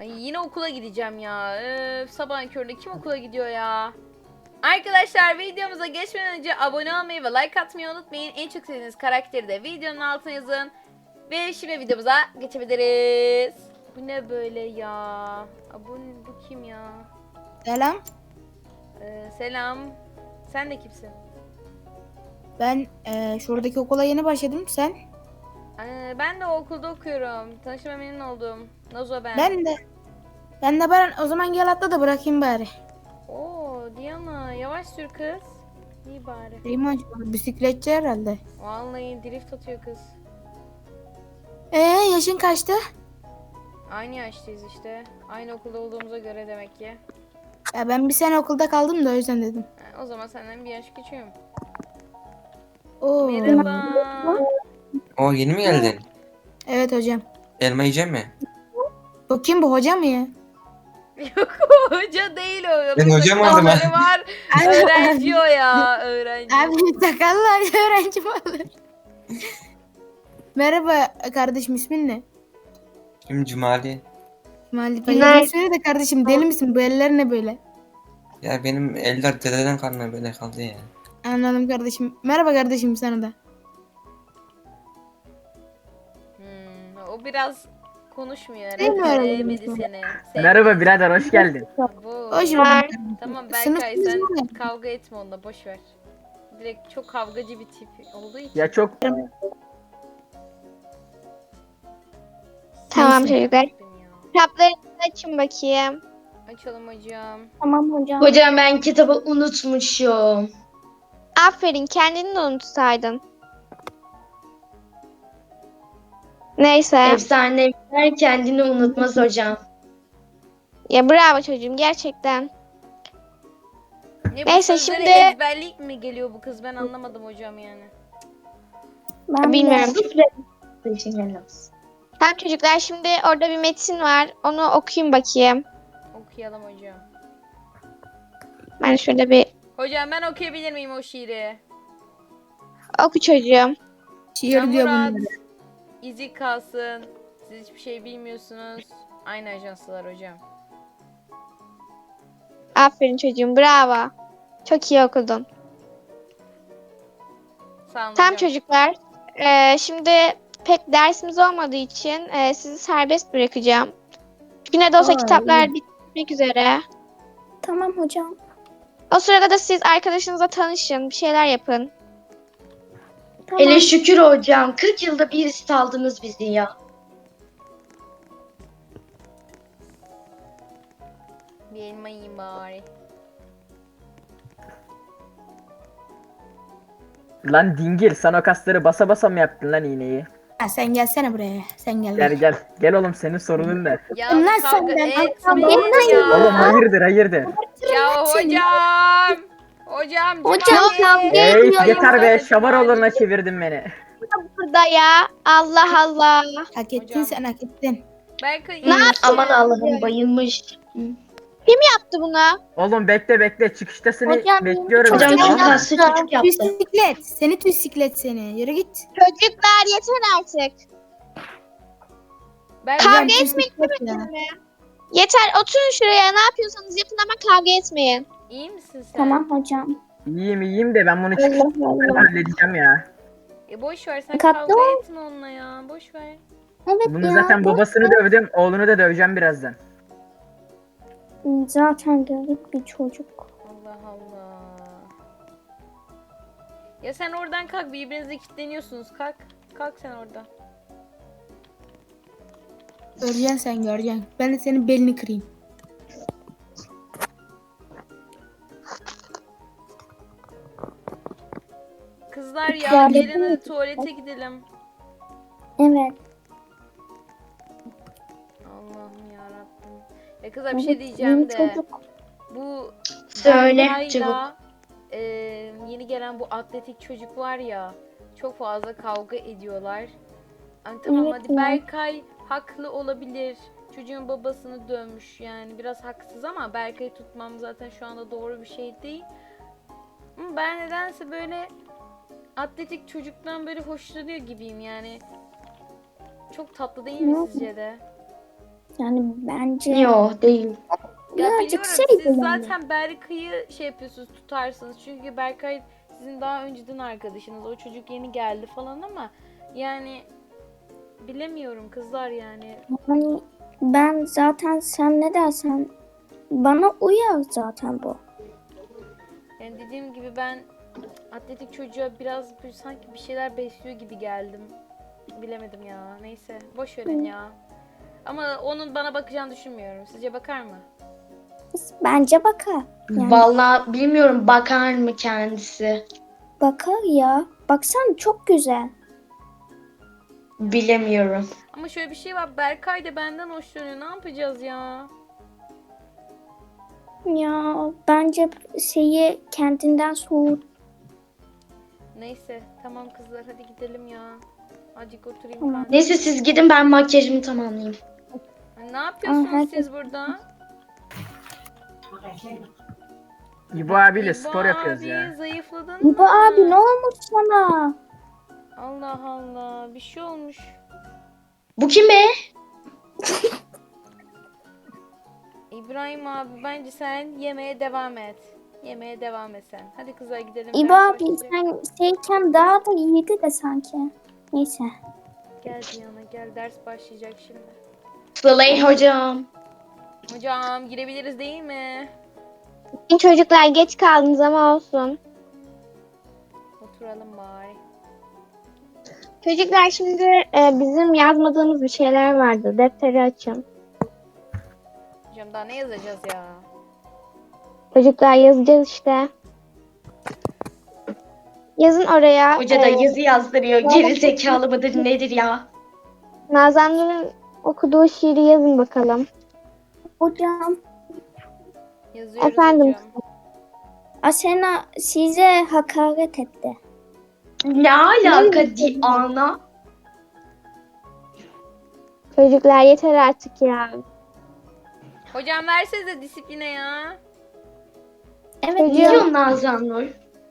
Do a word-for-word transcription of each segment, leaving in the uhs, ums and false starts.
Ay yine okula gideceğim ya. Öf, sabahın köründe kim okula gidiyor ya? Arkadaşlar videomuza geçmeden önce abone olmayı ve like atmayı unutmayın. En çok sevdiğiniz karakteri de videonun altına yazın. Ve şimdi videomuza geçebiliriz. Bu ne böyle ya? Aa, bu, bu kim ya? Selam. Ee, selam. Sen de kimsin? Ben e, şuradaki okula yeni başladım. Sen? Ee, ben de o okulda okuyorum. Tanışma memnun oldum. Nazo ben. Ben de. Ben de Baran. O zaman gel atla da bırakayım bari. Oo Diana yavaş sür kız. İyi bari. Rima bisikletçi herhalde. Vallahi drift atıyor kız. Ee yaşın kaçtı? Aynı yaştayız işte. Aynı okulda olduğumuza göre demek ki. Ya ben bir sene okulda kaldım da o yüzden dedim. Ha, o zaman senden bir yaş küçüğüm. Oo. Merhaba. O yeni mi geldin? Evet hocam. Elma yiyecek mi? Bu kim, bu hoca mı ya? Yok hoca değil o. Ben Bir hocam sakalları oldum ha. var. Öğrenci o ya. Öğrenci. Abi sakallar öğrenci mi olur? Merhaba kardeşim, ismin ne? Şimdi Cumali. Mali Payı söyle de kardeşim, deli misin? Bu eller ne böyle? Ya benim eller dededen kalma böyle kaldı ya. Anladım kardeşim. Merhaba kardeşim sana da. Hmm, o biraz konuşmuyor Değil mi herhalde. öyle Sevmedi demek? seni. Merhaba birader, hoş geldin. Bu. Hoş bulduk. Tamam Sınıf Berkay kızı sen mı? kavga etme onunla boş ver. Direkt çok kavgacı bir tip olduğu için. Ya çok Tamam Neyse. çocuklar. Ya. Kitaplarınızı açın bakayım. Açalım hocam. Tamam hocam. Hocam ben kitabı unutmuşum. Aferin, kendini de unutsaydın. Neyse. Efsaneler kendini unutmaz hocam. Ya bravo çocuğum, gerçekten. Ne bu Neyse, sözleri şimdi- ezberlik mi geliyor bu kız ben anlamadım hocam yani. Bilmiyorum. Teşekkürler olsun. Tamam çocuklar, şimdi orada bir metin var. Onu okuyun bakayım. Okuyalım hocam. Ben şöyle bir Hocam ben okuyabilir miyim o şiiri? oku çocuğum. Şiir diyor Murat, bunları. izi kalsın. Siz hiçbir şey bilmiyorsunuz. Aynı ajanslar hocam. Aferin çocuğum, bravo. Çok iyi okudun. Sağ olun Tamam hocam. çocuklar. Ee, şimdi pek dersimiz olmadığı için e, sizi serbest bırakacağım. Çünkü ne de olsa Aa, kitaplar bitmek üzere. Tamam hocam. O sırada da siz arkadaşınızla tanışın, bir şeyler yapın. Tamam. Hele şükür hocam. kırk yılda bir aldınız bizi ya. Bir elma yiyeyim bari. lan dingil, sen o kasları basa basa mı yaptın lan iğneyi? Ha, sen gelsene buraya. Sen gel. Gel gel. Gel oğlum, senin sorunun ne? Ya Lan kavga senden, etmeyin ya. Oğlum hayırdır hayırdır. Ya hocam. Hocam. Hocam, Cumali. Ey yeter be, şamar oluruna çevirdin beni. Burada ya. Allah Allah. Hak ettin Hocam. sen, hak ettin. Berkay. Ne yaptın? Aman Allah'ım bayılmış. Yaptı bunu. Oğlum bekle bekle, çıkışta seni Hocam, bekliyorum. Hocam ya. çok kaslı çocuk yaptı. Bisiklet. Seni bisiklet seni. Yürü git. Çocuklar yeter artık. Berkay. Kavga Hocam, etmeyin bisiklet ya. Yeter, oturun şuraya. Ne yapıyorsanız yapın ama kavga etmeyin. İyi misin sen? Tamam hocam. İyiyim iyiyim de ben bunu çıkışta Allah Allah. halledeceğim ya. E boş ver sen Dikkatli kavga ol. etme onunla ya. Boş ver. Evet Bunu ya. zaten babasını dövdüm, oğlunu da döveceğim birazdan. Zaten dövdük bir çocuk. Allah Allah. Ya sen oradan kalk, birbirinize kilitleniyorsunuz. Kalk. Kalk sen orada. Göreceksin sen, göreceksin. Ben de senin belini kırayım. Kızlar ya Tuvalete gelin hadi mi? tuvalete gidelim. Evet. Allah'ım yarabbim. Ya kızlar bir şey Evet, diyeceğim yeni de. çocuk. Bu Söyle Berkay'la, çabuk. e, yeni gelen bu atletik çocuk var ya. Çok fazla kavga ediyorlar. Hani tamam Evet hadi ya. Berkay haklı olabilir. Çocuğun babasını dövmüş yani biraz haksız ama Berkay'ı tutmam zaten şu anda doğru bir şey değil. Ama ben nedense böyle atletik çocuktan böyle hoşlanıyor gibiyim yani. Çok tatlı değil mi Hı. sizce de? Yani bence Yok değil. Ya birazcık biliyorum şey siz yani. zaten Berkay'ı şey yapıyorsunuz, tutarsınız. Çünkü Berkay sizin daha önceden arkadaşınız. O çocuk yeni geldi falan ama yani bilemiyorum kızlar yani. Yani ben zaten sen ne dersen bana uyar zaten bu. Yani dediğim gibi ben atletik çocuğa biraz bir, sanki bir şeyler besliyor gibi geldim. Bilemedim ya. Neyse boş verin ya. Ama onun bana bakacağını düşünmüyorum. Sizce bakar mı? Bence bakar. Yani Vallahi bilmiyorum bakar mı kendisi. bakar ya. Baksana çok güzel. Bilemiyorum. Ama şöyle bir şey var. Berkay da benden hoşlanıyor. Ne yapacağız ya? Ya bence şeyi kendinden soğut. Neyse tamam kızlar hadi gidelim ya. Azıcık oturayım Tamam. kanka. Neyse siz gidin ben makyajımı tamamlayayım. Ne yapıyorsunuz Aa, herkes- siz burada? İbo abiyle İbo spor yapıyoruz abi, ya. zayıfladın İbo mı? abi ne olmuş sana? Allah Allah bir şey olmuş. Bu kim be? İbrahim abi bence sen yemeğe devam et. Yemeğe devam et sen. Hadi kızlar gidelim. İbo ders abi başlayacak. sen şeyken daha da iyiydi de sanki. Neyse. Gel Diana gel ders başlayacak şimdi. Slay hocam. Hocam girebiliriz değil mi? Çocuklar geç kaldınız ama olsun. Oturalım bari. Çocuklar şimdi e, bizim yazmadığımız bir şeyler vardı. Defteri açın. Hocam daha ne yazacağız ya? Çocuklar yazacağız işte. Yazın oraya. Hoca da e, yazı yazdırıyor. Geri zekalı mıdır nedir ya? Nazan Nur'un okuduğu şiiri yazın bakalım. Hocam Yazıyoruz Efendim? hocam. Asena size hakaret etti. Ne alaka di ana? Çocuklar yeter artık ya. Hocam versenize disipline ya. Evet Çocuğum. Ne diyorsun Nazan Nur?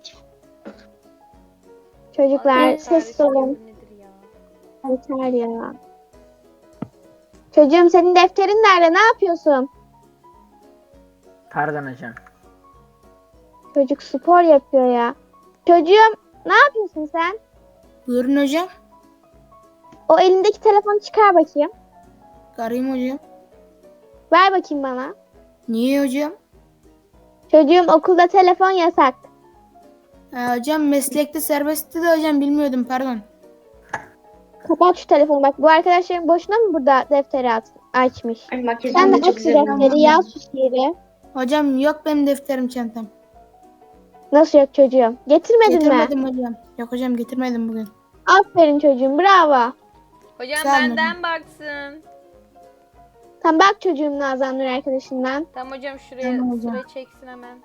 Çocuklar Allah sessiz kahretsin, olun. bu nedir ya? Yeter ya. Çocuğum senin defterin nerede? Ne yapıyorsun? Pardon hocam. Çocuk spor yapıyor ya. Çocuğum ne yapıyorsun sen? Buyurun hocam. O elindeki telefonu çıkar bakayım. Arayayım hocam. Ver bakayım bana. Niye hocam? Çocuğum okulda telefon yasak. Ha, hocam meslekte serbestti de hocam bilmiyordum pardon. Kapat şu telefonu bak. Bu arkadaşların boşuna mı burada defteri at- açmış? Ay Sen makyajım de da çok aç şu güzel olmuş. defteri, yaz şu şiiri. Hocam yok benim defterim çantam. Nasıl yok çocuğum? Getirmedin mi? Getirmedim hocam. Yok hocam getirmedim bugün. Aferin çocuğum, bravo. Hocam Sağ olun benden baksın. Tamam bak çocuğum Nazan Nur arkadaşından. Tamam hocam şuraya Tamam hocam. sıra çeksin hemen.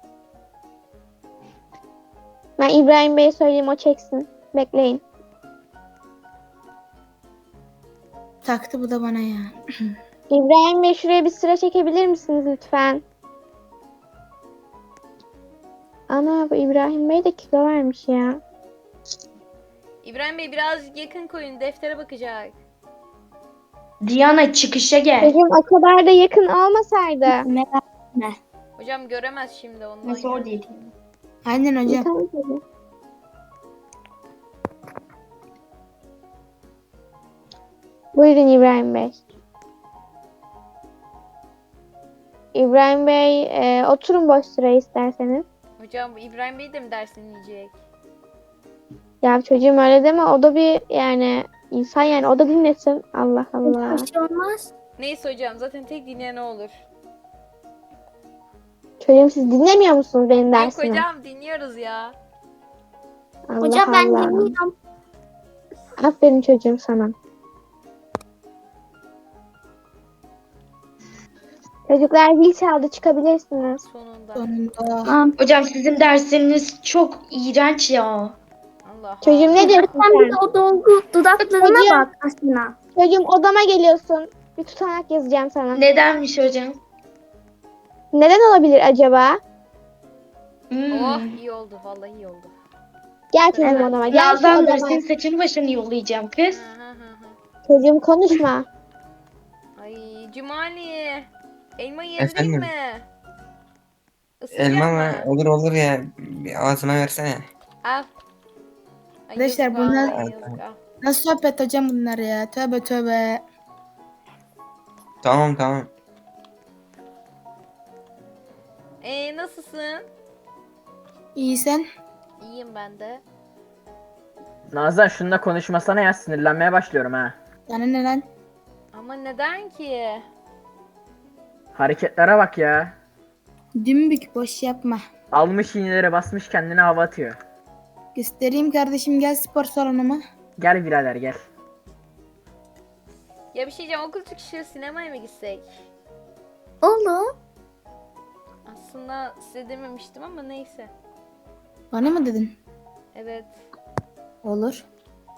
Ben İbrahim Bey'e söyleyeyim o çeksin. Bekleyin. Taktı bu da bana ya. İbrahim Bey şuraya bir sıra çekebilir misiniz lütfen? Ana bu İbrahim Bey de kilo vermiş ya. İbrahim Bey biraz yakın koyun deftere bakacak. Diana çıkışa gel. Çocuğum o kadar da yakın olmasaydı. Merak etme. Hocam göremez şimdi ondan. Nasıl o ya. değil? Aynen hocam. Tamam çocuğum. Buyurun İbrahim Bey. İbrahim Bey e, oturun boş sıraya isterseniz. Hocam bu İbrahim Bey de mi dersini yiyecek? Ya çocuğum öyle deme o da bir yani insan yani o da dinlesin. Allah Allah. Bir şey olmaz. Neyse hocam zaten tek dinleyen o olur. Çocuğum siz dinlemiyor musunuz benim Yok dersimi? hocam dinliyoruz ya. Allah Hocam ben Allah. dinliyorum. Aferin çocuğum sana. Çocuklar zil çaldı çıkabilirsiniz. Sonunda. Sonunda. Tamam. Hocam sizin dersleriniz çok iğrenç ya. Allah Çocuğum ne diyorsun Sen bir sen? de o dolgu dudaklarına Hocam. bak Asena. Çocuğum odama geliyorsun. Bir tutanak yazacağım sana. Nedenmiş hocam? Neden olabilir acaba? Hmm. Oh iyi oldu vallahi iyi oldu. Gel çocuğum Evet. odama. Gel şu Nazan Nur odama. senin saçını başını yollayacağım kız. Hı hı hı hı. Çocuğum konuşma. Ay Cumali. Elma yiyebilir Efendim? mi? Isıracak Elma mı? mı? Olur olur ya. Bir ağzıma versene. Al. Ay, Arkadaşlar yazık bunlar- vallahi, yazık, al. Nasıl sohbet hocam bunlar ya? Tövbe tövbe. Tamam tamam. Ee, nasılsın? İyi sen? İyiyim ben de. Nazan şununla konuşmasana ya, sinirlenmeye başlıyorum ha. Sana ne lan? Ama neden ki? Hareketlere bak ya. Dümbük boş yapma. Almış iğneleri basmış kendine hava atıyor. Göstereyim kardeşim, gel spor salonuma. Gel birader gel. Ya bir şey diyeceğim, okul çıkışı sinemaya mı gitsek? Olur. Aslında size dememiştim ama neyse. Bana mı dedin? Evet. Olur.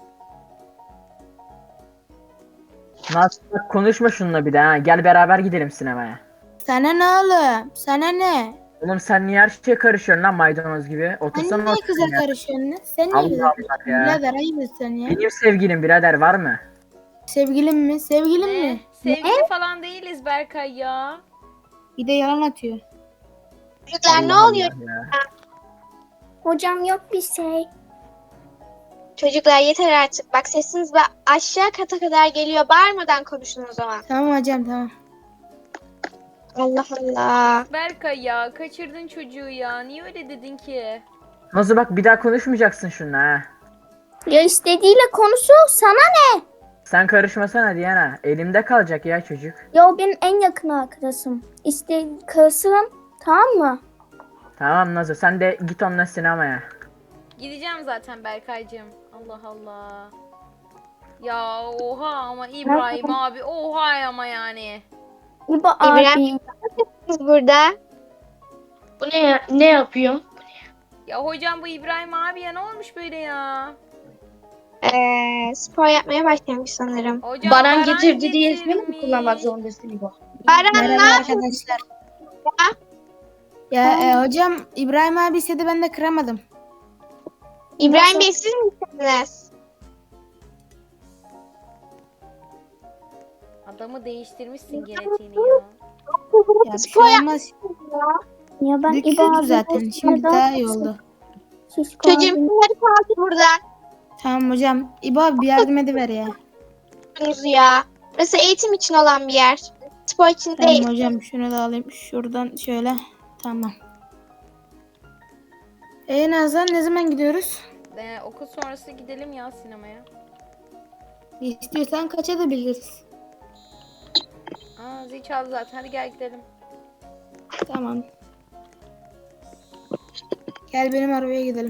Nazan bak konuşma şununla bir de ha. Gel beraber gidelim sinemaya. Sana ne oğlum? Sana ne? Oğlum sen niye her şeye karışıyorsun lan maydanoz gibi? Sen Otursana niye otur kıza ya. karışıyorsun lan? Sen niye Allah kıza Allah karışıyorsun? ya. Birader ayıp etsen ya. Benim sevgilim birader var mı? Sevgilim mi? Sevgilim Ne? mi? Sevgili falan değiliz Berkay ya. Bir de yalan atıyor. Çocuklar ne Allah oluyor? Allah ya. Hocam yok bir şey. Çocuklar yeter artık. Bak sesiniz ba- aşağı kata kadar geliyor. Bağırmadan konuşun o zaman. Tamam hocam tamam. Allah Allah. Berkay ya, kaçırdın çocuğu ya. Niye öyle dedin ki? Nazlı bak bir daha konuşmayacaksın şununla ha. Ya istediğiyle konuşuyor, sana ne? Sen karışmasana Diana. Elimde kalacak ya çocuk. Ya o benim en yakın arkadaşım. İşte karısım, tamam mı? Tamam Nazlı sen de git onunla sinemaya. Gideceğim zaten Berkaycığım. Allah Allah. Ya oha ama İbrahim abi, oha ama yani. İbo İbrahim- abi. Siz burada. Bu ne ya- ne yapıyor? Ya hocam bu İbrahim abi ya, ne olmuş böyle ya? Ee, spor yapmaya başlamış sanırım. Hocam Baran getirdi diye ismini mi getirmiş. kullanmak zorundasın bu? Baran ne Merhaba yapıyorsun? arkadaşlar. Ya e, hocam İbrahim abi istedi, ben de kıramadım. İbrahim Bey siz misiniz? Adamı değiştirmişsin genetiğini ya. Ya bir şey Spor yap- olmaz. Ya ben İbo Döküldü abi. zaten. Şimdi daha iyi oldu. Şişko Çocuğum abi. hadi kalkın buradan. Tamam hocam. İbo abi bir yardım ediver ya. Ya. Burası eğitim için olan bir yer. Spor için değil. Tamam hocam, şunu da alayım. Şuradan şöyle. Tamam. E Nazan, ne zaman gidiyoruz? Ee, okul sonrası gidelim ya sinemaya. İstiyorsan kaça da biliriz. Aa, zil çaldı zaten, hadi gel gidelim. Tamam. Gel benim arabaya gidelim.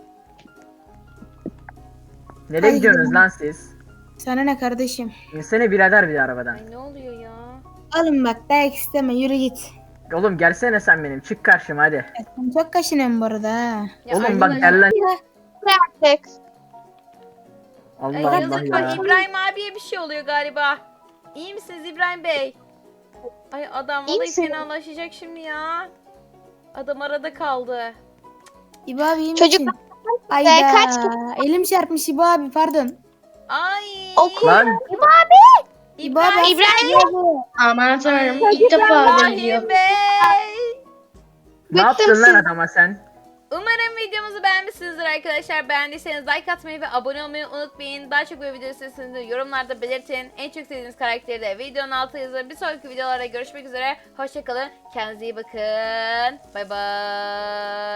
Nereye Hadi gidiyorsunuz gidelim. lan siz? Sana ne kardeşim? İnsene birader bir de arabadan. Ay ne oluyor ya? Alın bak, dayak isteme, yürü git. Oğlum gelsene sen benim. Çık karşıma hadi. Ya sen çok kaşınıyorsun bu arada ha. Ya Oğlum bak arkadaşlar- gel lan. Artık. Ay, Allah Allah yazık bak, ya. İbrahim abiye bir şey oluyor galiba. İyi misiniz İbrahim Bey? Ay adam İyi vallahi misin? fenalaşacak şimdi ya. Adam arada kaldı. İbo abi iyi Çocuk- misin? Ee, Ayda. kaç Elim çarpmış İbo abi, pardon. Ay. Okul- Lan İbo abi. İbrahim. Aman tanrım, Ay, ilk defa İbrahim geliyor. Bey. ne yaptın lan adama sen? Umarım videomuzu beğenmişsinizdir arkadaşlar. Beğendiyseniz like atmayı ve abone olmayı unutmayın. Daha çok böyle video isterseniz yorumlarda belirtin. En çok sevdiğiniz karakteri de videonun altına yazın. Bir sonraki videolarda görüşmek üzere. Hoşçakalın. Kendinize iyi bakın. Bay bay.